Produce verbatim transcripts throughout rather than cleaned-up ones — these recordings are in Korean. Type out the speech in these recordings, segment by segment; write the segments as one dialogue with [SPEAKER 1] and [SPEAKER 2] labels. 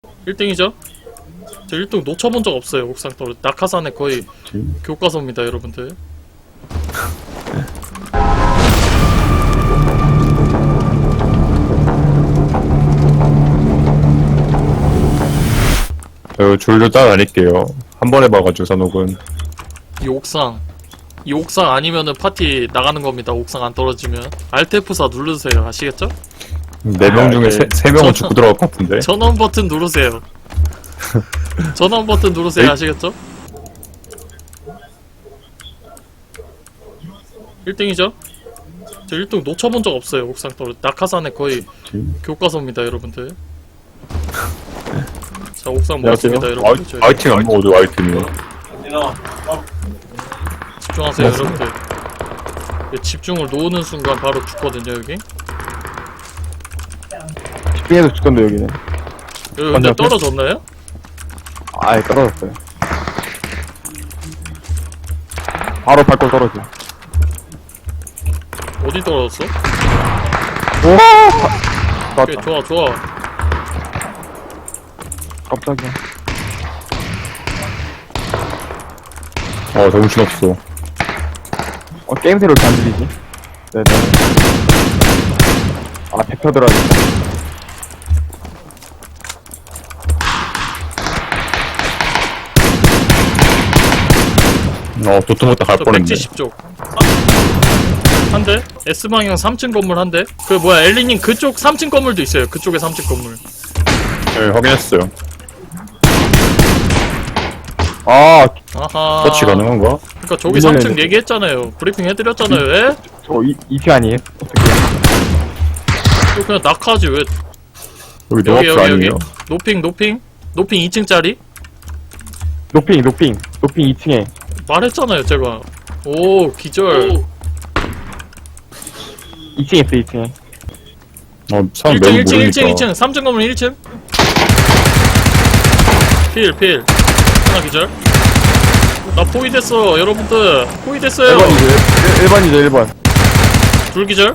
[SPEAKER 1] 일 등이죠? 저 일 등 놓쳐본 적 없어요. 옥상 떨어 낙하산에 거의 교과서입니다 여러분들.
[SPEAKER 2] 저 줄로 따라다닐게요. 한 번 해봐가지고 산옥은.
[SPEAKER 1] 이 옥상 이 옥상 아니면은 파티 나가는 겁니다. 옥상 안 떨어지면 알트 에프 사 누르세요. 아시겠죠?
[SPEAKER 2] 네 명 중에 세, 세 명은
[SPEAKER 1] 저-
[SPEAKER 2] 죽고 들어갈 것 같은데.
[SPEAKER 1] 전원 버튼 누르세요. 전원 버튼 누르세요.
[SPEAKER 2] 에이.
[SPEAKER 1] 아시겠죠? 일 등이죠? 저 일 등 놓쳐본 적 없어요. 옥상 떨어 낙하산에 거의 교과서입니다 여러분들. 자 옥상 먹었습니다 여러분들. 저희
[SPEAKER 2] 아이팅 안 먹어도 아이템이요.
[SPEAKER 1] 집중하세요
[SPEAKER 2] 맞습니다.
[SPEAKER 1] 여러분들. 이 집중을 놓는 순간 바로 죽거든요 여기.
[SPEAKER 3] 집중해서 죽던데 여기는.
[SPEAKER 1] 여기 근데
[SPEAKER 3] 건너편?
[SPEAKER 1] 떨어졌나요?
[SPEAKER 3] 아예 떨어졌어요. 바로 밟고 떨어져.
[SPEAKER 1] 어디 떨어졌어?
[SPEAKER 3] 오! 바...
[SPEAKER 1] 오케이
[SPEAKER 3] 맞다.
[SPEAKER 1] 좋아 좋아.
[SPEAKER 3] 깜짝이야.
[SPEAKER 2] 어, 정신없어.
[SPEAKER 3] 어, 게임새로 이렇게 안 들리지? 네네. 아, 대표 들어야겠다.
[SPEAKER 2] 어, 도트못다 갈
[SPEAKER 1] 저
[SPEAKER 2] 뻔했네.
[SPEAKER 1] 백칠십 쪽. 한 대? S방향 삼 층 건물 한 대? 그 뭐야 엘리님 그쪽 삼 층 건물도 있어요. 그쪽에 삼 층 건물.
[SPEAKER 2] 네, 확인했어요.
[SPEAKER 3] 아,
[SPEAKER 1] 아하.
[SPEAKER 2] 터치 가능한가?
[SPEAKER 1] 그니까 저기
[SPEAKER 3] 이번에는-
[SPEAKER 1] 삼 층 얘기했잖아요. 브리핑 해드렸잖아요. 왜?
[SPEAKER 3] 저 이, 이피 아니에요? 어떻게.
[SPEAKER 1] 또 그냥 낙하지 왜?
[SPEAKER 2] 여기
[SPEAKER 1] 여기
[SPEAKER 2] 노아프
[SPEAKER 1] 여기 여기.
[SPEAKER 2] 아니에요?
[SPEAKER 1] 노핑 노핑. 노핑 이 층짜리?
[SPEAKER 3] 노핑, 노핑. 노핑 이 층에.
[SPEAKER 1] 말했잖아요 제가. 오 기절.
[SPEAKER 3] 이 층에 있어, 이 층에.
[SPEAKER 2] 어, 사람
[SPEAKER 1] 일 층
[SPEAKER 2] 매우
[SPEAKER 1] 일 층 일 층
[SPEAKER 2] 모르니까.
[SPEAKER 1] 이 층 삼 층 건물 일 층. 필 필. 하나 기절. 나 포위됐어 여러분들. 포위됐어요.
[SPEAKER 3] 일 번이죠, 일 번이죠, 일 번.
[SPEAKER 1] 둘 기절.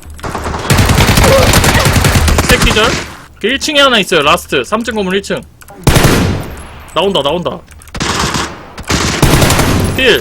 [SPEAKER 1] 셋 기절. 그 일 층에 하나 있어요. 라스트. 삼 층 건물 일 층. 나온다 나온다. 필.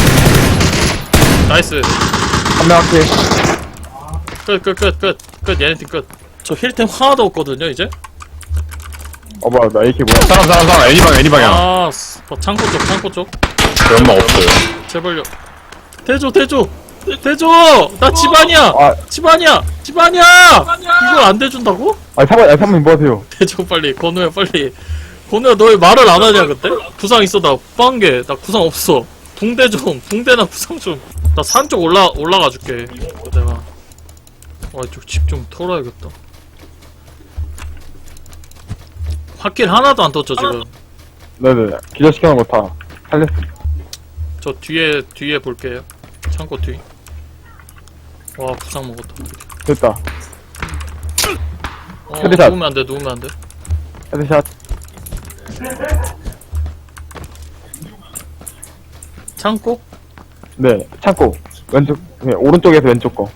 [SPEAKER 1] 나이스.
[SPEAKER 3] 한 명 할게.
[SPEAKER 1] 끝 끝 끝 끝 끝. 얘네 팀 끝. 저 힐템 하나도 없거든요 이제.
[SPEAKER 3] 어, 뭐야, 나 에이케이 뭐야.
[SPEAKER 2] 사람, 사람, 사람. 애니방, 애니방향.
[SPEAKER 1] 아 스- 어, 창고 쪽 창고 쪽.
[SPEAKER 2] 저 연막 없어요.
[SPEAKER 1] 제발요. 대조 대조. 대조. 나 집안이야.
[SPEAKER 3] 아,
[SPEAKER 1] 집안이야. 집안이야. 이걸 안 대준다고?
[SPEAKER 3] 아, 사번, 아, 사번 뭐 하세요?
[SPEAKER 1] 대조 빨리. 건우야 빨리. 건우야 너 왜 말을 안 하냐 그때? 구상 있어 나 뻔게. 나 구상 없어. 붕대 좀. 붕대나 구상 좀. 나 산 쪽 올라 올라가 줄게. 내가. 아 이쪽 집 좀 털어야겠다. 핫길 하나도 안 떴죠 지금.
[SPEAKER 3] 네네. 기절시켜놓은 거 다 살렸어.
[SPEAKER 1] 저 뒤에 뒤에 볼게요. 창고 뒤. 와 구상 먹었다.
[SPEAKER 3] 됐다.
[SPEAKER 1] 어
[SPEAKER 3] 헤드샷.
[SPEAKER 1] 누우면 안 돼. 누우면 안 돼.
[SPEAKER 3] 헤드샷.
[SPEAKER 1] 창고?
[SPEAKER 3] 네, 창고. 왼쪽, 네, 오른쪽에서 왼쪽 거.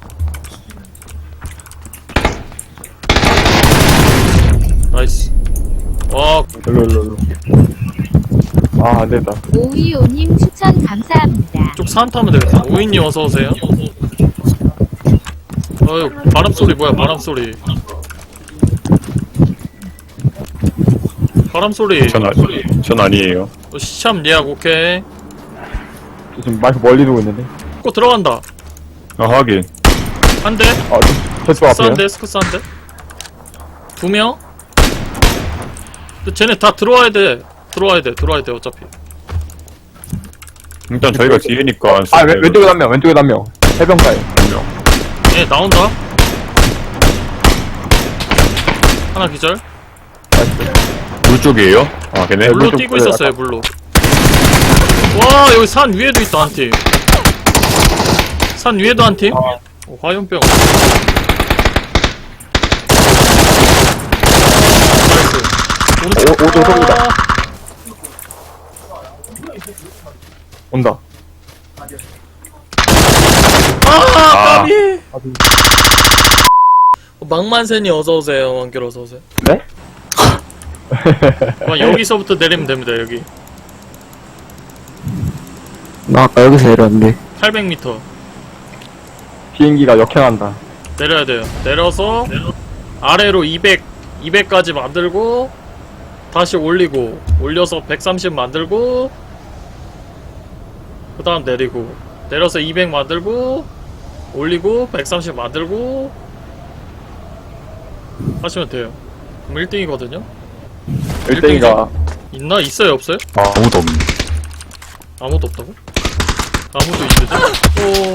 [SPEAKER 1] 나이스. 와
[SPEAKER 3] 일로, 일로, 일로. 아, 안 됐다.
[SPEAKER 4] 오이오님 추천 감사합니다.
[SPEAKER 1] 쪽 산 타면 되겠다. 오인님 어서 오세요. 어휴 바람 소리 뭐야 바람 소리. 바람 소리.
[SPEAKER 2] 전, 아, 전 아니에요.
[SPEAKER 1] 어, 시참 예약 오케이.
[SPEAKER 3] 저 지금 마이크 멀리 두고 있는데.
[SPEAKER 1] 꼭 들어간다.
[SPEAKER 2] 아, 하긴.
[SPEAKER 1] 한 대.
[SPEAKER 3] 아, 저, 저쪽
[SPEAKER 1] 스쿠스 한
[SPEAKER 3] 앞에요.
[SPEAKER 1] 대. 스쿠스 한 대. 두 명. 근데 쟤네 다 들어와야 돼. 들어와야 돼. 들어와야 돼 어차피.
[SPEAKER 2] 일단 저희가 뒤에니까.
[SPEAKER 3] 아, 왼, 왼쪽에 한 명, 왼쪽에 한 명. 해변가에.
[SPEAKER 1] 얘 나온다. 하나 기절.
[SPEAKER 2] 물 쪽이에요? 아, 걔네?
[SPEAKER 1] 물로
[SPEAKER 3] 왼쪽
[SPEAKER 1] 뛰고
[SPEAKER 3] 그래,
[SPEAKER 1] 있었어요 물로. 와 여기 산 위에도 있다 한 팀. 산 위에도 한 팀. 어, 화염병. 나이스. 오른쪽.
[SPEAKER 3] 오, 오른쪽 서구다.
[SPEAKER 1] 아,
[SPEAKER 3] 온다.
[SPEAKER 1] 아 까비. 어, 망만센이 어서 오세요. 왕길 어서 오세요.
[SPEAKER 3] 네?
[SPEAKER 1] 그럼 여기서부터 내리면 됩니다. 여기
[SPEAKER 5] 나 아까 여기서 내렸는데.
[SPEAKER 1] 팔백 미터
[SPEAKER 3] 비행기가 역행한다.
[SPEAKER 1] 내려야 돼요. 내려서 아래로 이백, 이백까지 만들고 다시 올리고 올려서 백삼십 만들고 그 다음 내리고 내려서 이백 만들고 올리고 백삼십 만들고 하시면 돼요. 그럼 일 등이거든요.
[SPEAKER 3] 일 등이가
[SPEAKER 1] 있나? 있어요? 없어요?
[SPEAKER 2] 아무도 없네.
[SPEAKER 1] 아무도 없다고? 아무도 있는데? 오,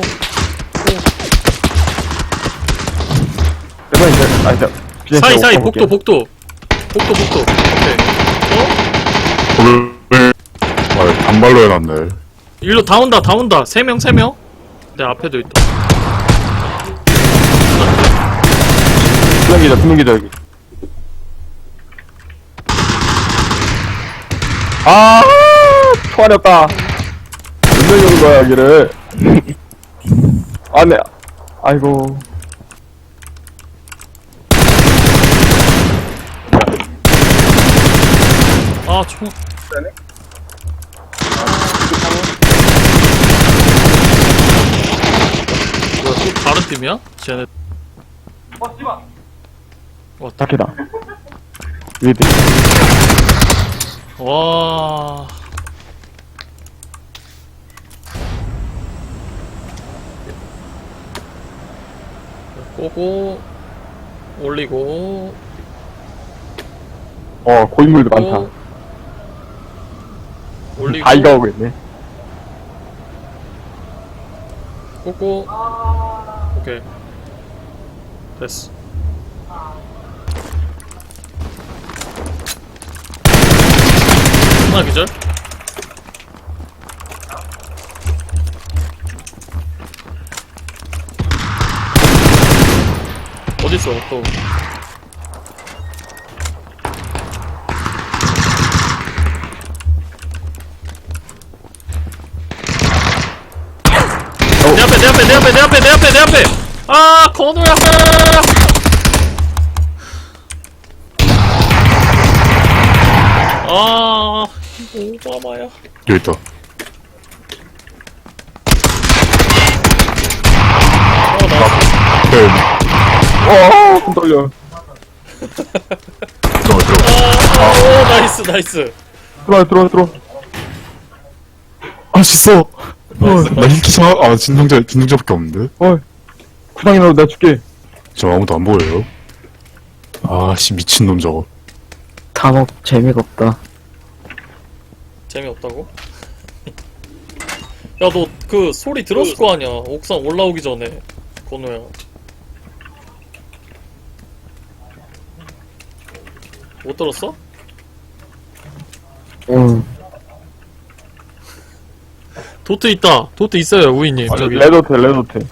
[SPEAKER 3] 그래서 이제 아 이제
[SPEAKER 1] 오.
[SPEAKER 3] 비행기
[SPEAKER 1] 사이 사이
[SPEAKER 3] 오고
[SPEAKER 1] 복도 복도 복도 복도 오케이. 어?
[SPEAKER 2] 돌을 아, 단발로 해놨네.
[SPEAKER 1] 일로 다 온다 다 온다 세 명 세 명 내 앞에도 있다.
[SPEAKER 3] 비행기죠 비행기죠 여기. 아 총알이 없다. 몇 명이 오는 거야 여기를. 아네. 아이고.
[SPEAKER 1] 아 총. 뭐야 또 다른 팀이야? 쟤네
[SPEAKER 3] 딱히다. 위드.
[SPEAKER 1] 와. 꼬고 올리고
[SPEAKER 3] 어 고인물도
[SPEAKER 1] 꼬고,
[SPEAKER 3] 많다.
[SPEAKER 1] 올리고
[SPEAKER 3] 다 이거 오고 있네.
[SPEAKER 1] 꼬고 오케이 됐어. 하나 기절. 어딨어 또. 내 앞에 내 앞에 내 앞에 내 앞에 내 앞에 내 앞에 아 건우야. 아 오바마야.
[SPEAKER 2] 여기 있다.
[SPEAKER 1] 어나
[SPEAKER 2] 네,
[SPEAKER 3] 어, 손 떨려.
[SPEAKER 2] 들어가, 들어가.
[SPEAKER 1] 아, 오 나이스 나이스.
[SPEAKER 3] 들어와, 들어와, 들어와.
[SPEAKER 2] 아, 씻어! 어, 나 힐기사, 아, 진동자, 진동자밖에 없는데?
[SPEAKER 3] 어, 구상이라도 내가 줄게.
[SPEAKER 2] 저 아무도 안 보여요. 아, 씨, 미친놈 저거.
[SPEAKER 5] 단업 재미가 없다.
[SPEAKER 1] 재미없다고? 야 너 그 소리 들었을 거 아니야 옥상 올라오기 전에 건우야. 못 들었어?
[SPEAKER 5] 응.
[SPEAKER 1] 도트 있다. 도트 있어요 우이님.
[SPEAKER 3] 아,
[SPEAKER 1] 저기
[SPEAKER 3] 레드호텔, 레드호텔.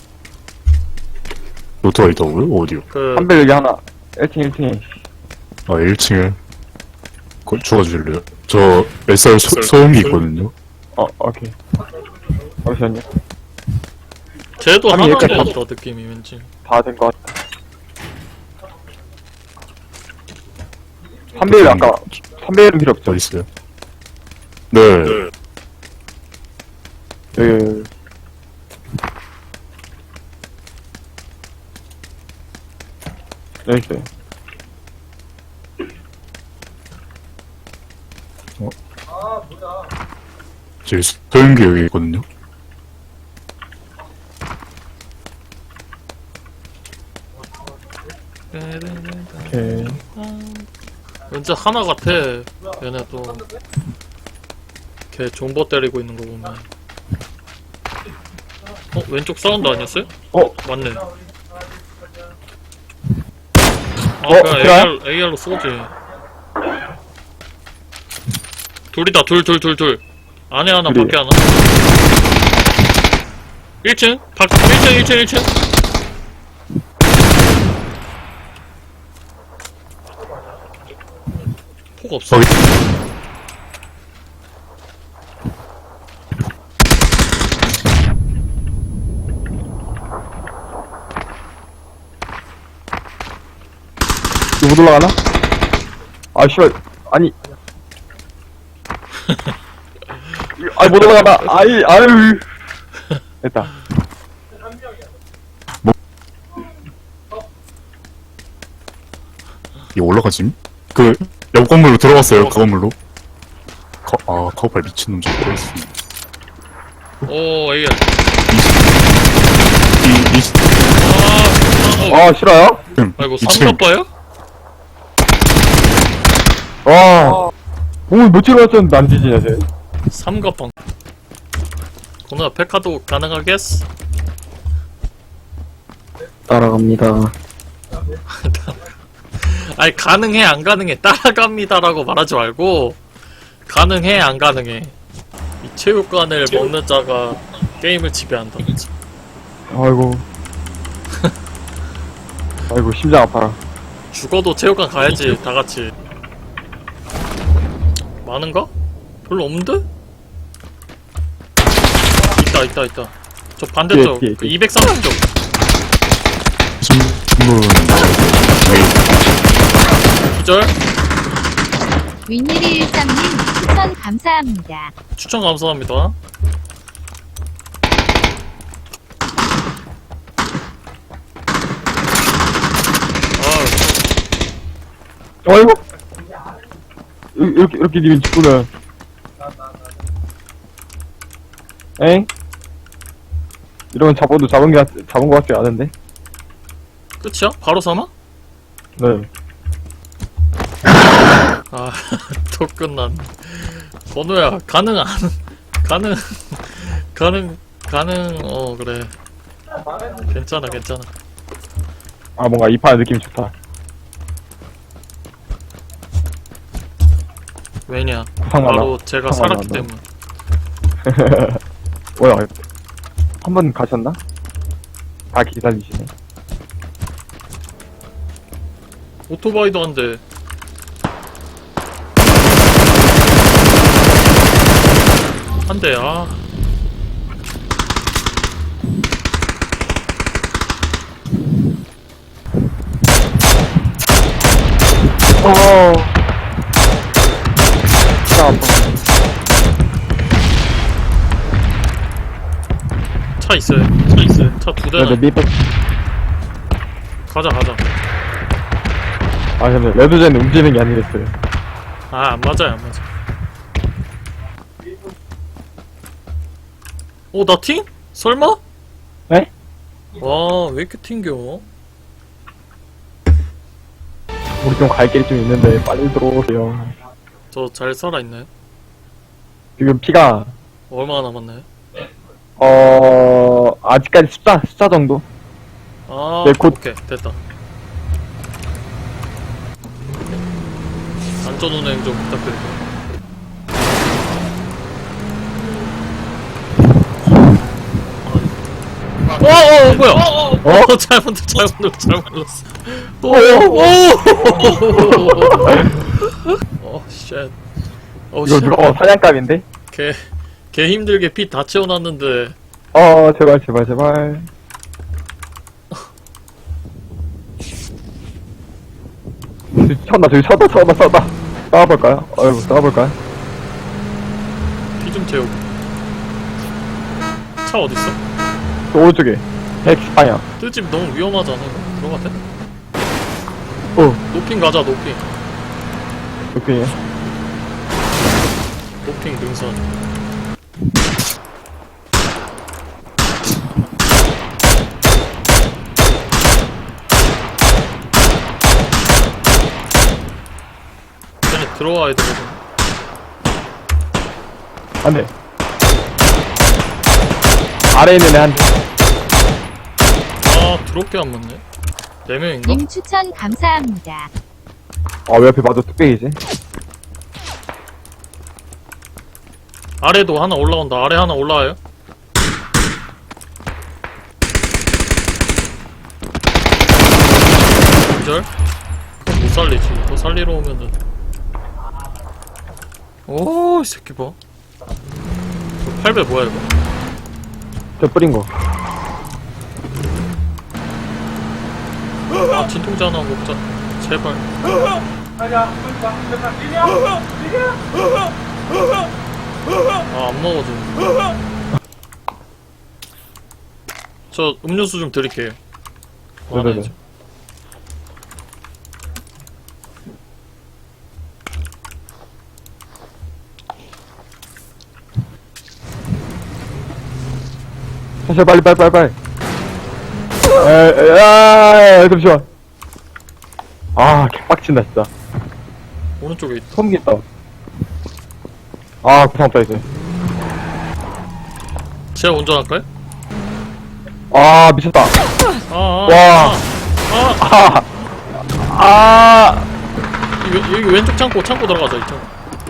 [SPEAKER 2] 노트가 있다고요? 어디요?
[SPEAKER 1] 그
[SPEAKER 3] 한배 여기 하나. 일 층, 일 층에.
[SPEAKER 2] 아, 일 층에. 그걸 주워주실래요? 저, 에스알 소, 소음기 있거든요?
[SPEAKER 3] 어, 오케이. 잠시만요.
[SPEAKER 1] 쟤도
[SPEAKER 3] 아니,
[SPEAKER 1] 하나인
[SPEAKER 3] 여기까지
[SPEAKER 1] 것 같다 느낌이 왠지.
[SPEAKER 3] 다 된 것 같다. 삼배율 아까, 삼배율은 필요 없죠?
[SPEAKER 2] 어디 있어요? 네.
[SPEAKER 3] 여기, 여기. 여기 있어요.
[SPEAKER 2] 제 소음기 여기 있거든요?
[SPEAKER 3] 오케이.
[SPEAKER 1] 왠지 하나 같아. 얘네 또. 걔 존버 때리고 있는 거 보면. 어 왼쪽 사운드 아니었어요?
[SPEAKER 3] 어,
[SPEAKER 1] 맞네. 아
[SPEAKER 3] 어,
[SPEAKER 1] 그냥
[SPEAKER 3] 그래요?
[SPEAKER 1] 에이알, 에이알로 쏘지. 둘이다 둘 둘 둘 둘. 안에 하나
[SPEAKER 3] 둘이.
[SPEAKER 1] 밖에 하나. 일 층 밖 일 층 일 층 일 층. 폭 없어.
[SPEAKER 2] 거기.
[SPEAKER 3] 이거 못 올라가나? 아, 씨발. 아니. 아이, 못 올라가다. 아이, 아유. 됐다.
[SPEAKER 2] 이거 올라가짐? 그, 옆 건물로 들어갔어요, 그 건물로. 거, 아, 카우팔 미친놈 좀 들어있어.
[SPEAKER 1] 오 에이알.
[SPEAKER 2] 이, 이,
[SPEAKER 1] 아, 어,
[SPEAKER 3] 아, 싫어요?
[SPEAKER 2] 응,
[SPEAKER 1] 아이고
[SPEAKER 2] 이 층.
[SPEAKER 1] 삼갑바요?
[SPEAKER 3] 와. 공을 며칠 왔었는데 안 뒤지냐, 쟤.
[SPEAKER 1] 삼갑방. 고노야 페카도 가능하겠어?
[SPEAKER 5] 따라갑니다.
[SPEAKER 1] 아니 가능해 안 가능해 따라갑니다라고 말하지 말고 가능해 안 가능해. 이 체육관을 먹는 자가 게임을 지배한다.
[SPEAKER 3] 아이고. 아이고, 심장 아파라.
[SPEAKER 1] 죽어도 체육관 가야지 다 같이. 많은가? 별로 없는데? 있다 있다 있다. 저 반대쪽
[SPEAKER 3] 뒤에, 뒤에,
[SPEAKER 1] 그
[SPEAKER 3] 뒤에.
[SPEAKER 1] 이백삼십 쪽.
[SPEAKER 2] 신문,
[SPEAKER 1] 기절.
[SPEAKER 4] 윈일이일삼님 추천 감사합니다.
[SPEAKER 1] 추천 감사합니다. 아,
[SPEAKER 3] 아이고. 이- 이렇게, 이렇게 니면 죽구나. 엥? 이러면 잡아도 잡은 게, 같- 잡은 것 같지 않은데?
[SPEAKER 1] 끝이야? 바로 사망?
[SPEAKER 3] 네.
[SPEAKER 1] 아, 또 끝났네. 번호야, 가능, 안, 가능, 가능, 가능, 어, 그래. 괜찮아, 괜찮아.
[SPEAKER 3] 아, 뭔가 이 판 느낌이 좋다.
[SPEAKER 1] 왜냐?
[SPEAKER 3] 구상
[SPEAKER 1] 바로
[SPEAKER 3] 많아.
[SPEAKER 1] 제가
[SPEAKER 3] 구상
[SPEAKER 1] 살았기
[SPEAKER 3] 많아.
[SPEAKER 1] 때문.
[SPEAKER 3] 뭐야, 한 번 가셨나? 다 기다리시네.
[SPEAKER 1] 오토바이도 한 대. 한 대, 아.
[SPEAKER 3] 어. 진짜 아파.
[SPEAKER 1] 차 있어요. 차 있어요. 차 두 대나.
[SPEAKER 3] 레드 미백.
[SPEAKER 1] 가자, 가자.
[SPEAKER 3] 아, 근데 레드젠 움직이는 게 아니랬어요.
[SPEAKER 1] 아, 안 맞아요, 안 맞아. 어, 나 팅? 설마?
[SPEAKER 3] 네?
[SPEAKER 1] 와, 왜 이렇게 튕겨?
[SPEAKER 3] 우리 좀 갈 길이 좀 있는데 빨리 들어오세요.
[SPEAKER 1] 저 잘 살아있나요?
[SPEAKER 3] 지금 피가
[SPEAKER 1] 얼마나 남았나요?
[SPEAKER 3] 어 아직까지 숫자 숫자 정도.
[SPEAKER 1] 아,
[SPEAKER 3] 네, 곧-
[SPEAKER 1] 오케이, 됐다. 안전운행 좀 부탁드릴게요. 어, 어, 어, 뭐야? 어, 잘못, 잘못, 눌렀- 잘못 눌렀어. 오, 오, 오, 쉣. 오,
[SPEAKER 3] 이거
[SPEAKER 1] 쉣.
[SPEAKER 3] 누가 어 사냥감인데?
[SPEAKER 1] 개, 개 힘들게 피 다 채워놨는데.
[SPEAKER 3] 어 제발 제발 제발. 저기 쳤나 저기 쳤다 쳤다 쳤다. 싸워볼까요? 어이구 싸워볼까요?
[SPEAKER 1] 피 좀 채우고. 차 어딨어?
[SPEAKER 3] 저 오른쪽에 X 방향.
[SPEAKER 1] 뜰집 너무 위험하잖아. 이거. 들어가대?
[SPEAKER 3] 어
[SPEAKER 1] 노핑 가자, 노핑.
[SPEAKER 3] 오케이.
[SPEAKER 1] 노핑 능선. 쟤네 들어와야 되거든.
[SPEAKER 3] 안돼. 아래에 있는 애한테.
[SPEAKER 1] 아, 드럽게 안 맞네. 네 명인가?
[SPEAKER 4] 님 추천 감사합니다.
[SPEAKER 3] 아왜 옆에 맞아 뚝배기지?
[SPEAKER 1] 아래도 하나 올라온다. 아래 하나 올라와요. 기절? 그럼 못 살리지. 더 살리러 오면은. 오, 이 새끼 봐. 저 팔 배 뭐야, 이거?
[SPEAKER 3] 저 뿌린 거.
[SPEAKER 1] 아, 진통제 하나 먹자. 제발. 아, 안 먹어도. 저 음료수 좀 드릴게요.
[SPEAKER 3] 네네네.
[SPEAKER 1] 많아야죠.
[SPEAKER 3] 사실 빨리 빨리 빨리 빨리. 에야 잠시만. 아 개빡친다 진짜.
[SPEAKER 1] 오른쪽에 있다.
[SPEAKER 3] 소음기 있다. 아 구상 없다 이제.
[SPEAKER 1] 제가 운전할까요?
[SPEAKER 3] 아 미쳤다.
[SPEAKER 1] 아, 아,
[SPEAKER 3] 와.
[SPEAKER 1] 아, 아.
[SPEAKER 3] 아. 아.
[SPEAKER 1] 여기, 여기 왼쪽 창고, 창고 들어가자, 이쪽.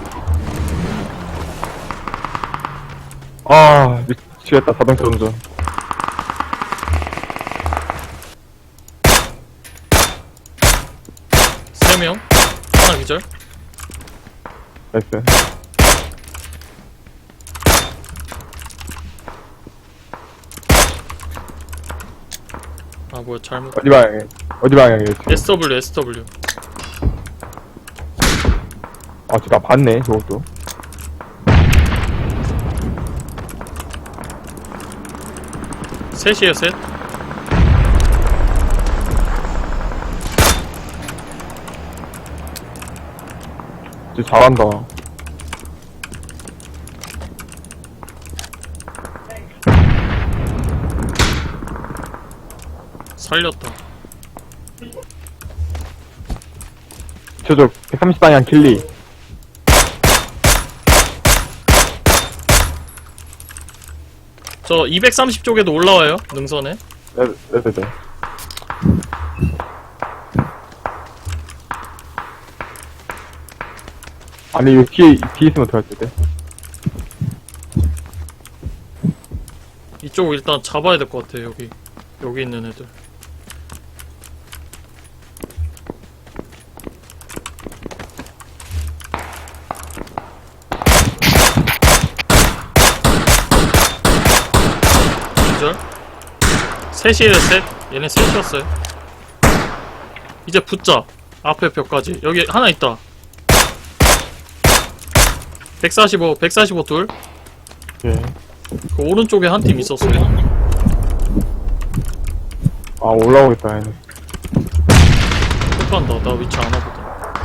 [SPEAKER 3] 아 미치겠다 자동차 운전.
[SPEAKER 1] 세 명. 하나 기절.
[SPEAKER 3] 나이스.
[SPEAKER 1] 아, 뭐야, 잘못.
[SPEAKER 3] 어디 방향에? 어디 방향에?
[SPEAKER 1] 에스 더블유, 에스 더블유.
[SPEAKER 3] 아 진짜 봤네 저것도.
[SPEAKER 1] 셋이에요, 셋.
[SPEAKER 3] 진짜 잘한다.
[SPEAKER 1] 살렸다.
[SPEAKER 3] 저쪽 백삼십 방향 길리.
[SPEAKER 1] 저 이백삼십 쪽에도 올라와요, 능선에.
[SPEAKER 3] 네네네. 아니 이거 뒤에 뒤에 있으면 어떡할 텐데?
[SPEAKER 1] 이쪽 일단 잡아야 될 것 같아, 여기. 여기 있는 애들. 기절? 셋이에요, 셋. 얘네 셋이었어요. 이제 붙자. 앞에 벽까지. 여기 하나 있다. 백사십오, 백사십오 둘.
[SPEAKER 3] 예.
[SPEAKER 1] 그 오른쪽에 한 팀 있었어요.
[SPEAKER 3] 아 올라오겠다 얘네.
[SPEAKER 1] 폭간다. 나 위치 아나 보다.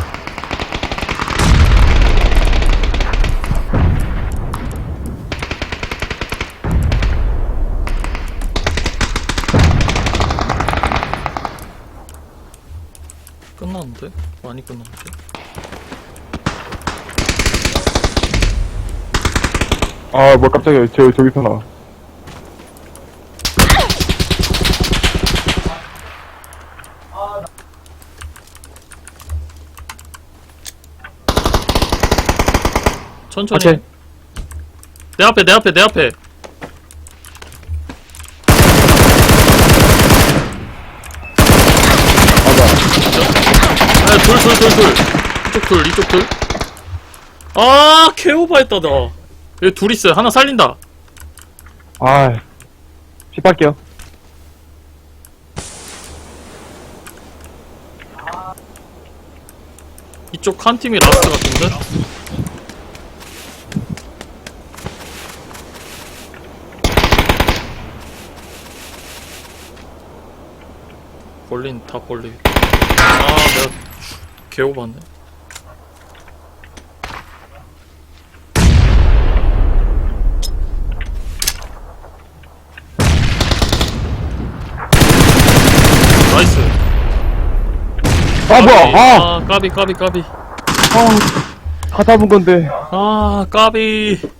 [SPEAKER 1] 끝났는데? 많이 끝났는데?
[SPEAKER 3] 아 뭐 깜짝이야 저 저기서 나와.
[SPEAKER 1] 천천히.
[SPEAKER 3] 오케이.
[SPEAKER 1] 내 앞에, 내 앞에, 내 앞에. 아, 둘, 둘, 둘, 둘. 이쪽 둘, 이쪽 둘. 아, 개오바했다, 나. 여기 둘 있어요. 하나 살린다.
[SPEAKER 3] 아 씹할게요.
[SPEAKER 1] 이쪽 한 팀이 라스트 같은데? 벌린, 다 벌리. 아, 내가 개오바네. 나이스.
[SPEAKER 3] 아 뭐야? 아,
[SPEAKER 1] 아, 까비, 까비, 까비.
[SPEAKER 3] 아, 다 잡은 건데.
[SPEAKER 1] 아, 까비.